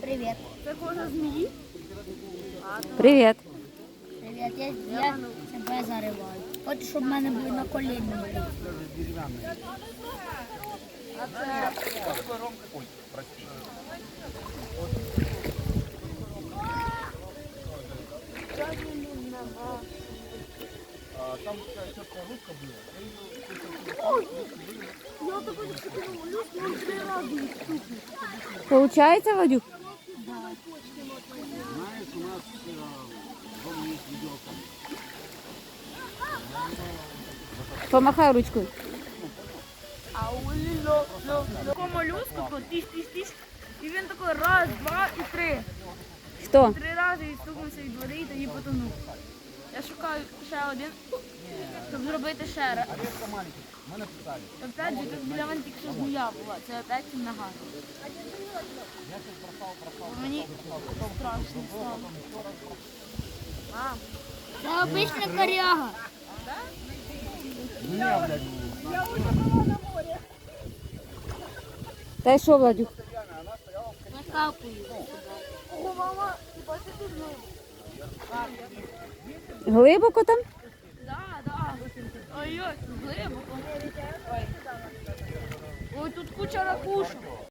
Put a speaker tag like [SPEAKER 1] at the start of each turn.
[SPEAKER 1] Привіт.
[SPEAKER 2] Це кожа змії?
[SPEAKER 3] Привіт.
[SPEAKER 1] Привіт, я себе зариваю. Хочу, щоб в мене були на коліні.
[SPEAKER 2] А це...
[SPEAKER 4] Там такая четкая ручка была.
[SPEAKER 2] Я такой люблю, он 3 рази стукнув.
[SPEAKER 3] Получається, Вадюк?
[SPEAKER 4] Знаешь, у нас дома есть видеокамера.
[SPEAKER 3] Помахай ручкою.
[SPEAKER 2] А у ліло, такому молюску, тако тиш-тиш-тиш, і він такий раз, два і 3.
[SPEAKER 3] Хто?
[SPEAKER 2] 3 рази відстукнувся від води і тоді потонув. Я шукаю ще один, щоб зробити ще раз.
[SPEAKER 4] Орешка маленький. Мы написали.
[SPEAKER 2] Опять же, тут біля мене тільки що змія була, це опять нога. Мені страшно стало. Мам,
[SPEAKER 1] Це обична коряга.
[SPEAKER 4] Меня, блядь,
[SPEAKER 3] Та й що, Владюк?
[SPEAKER 1] Накапую.
[SPEAKER 2] ого, мама, ти бачиш тут
[SPEAKER 3] Глибоко там?
[SPEAKER 2] Да. Ой-ой, глибоко. Ой, тут куча ракушок.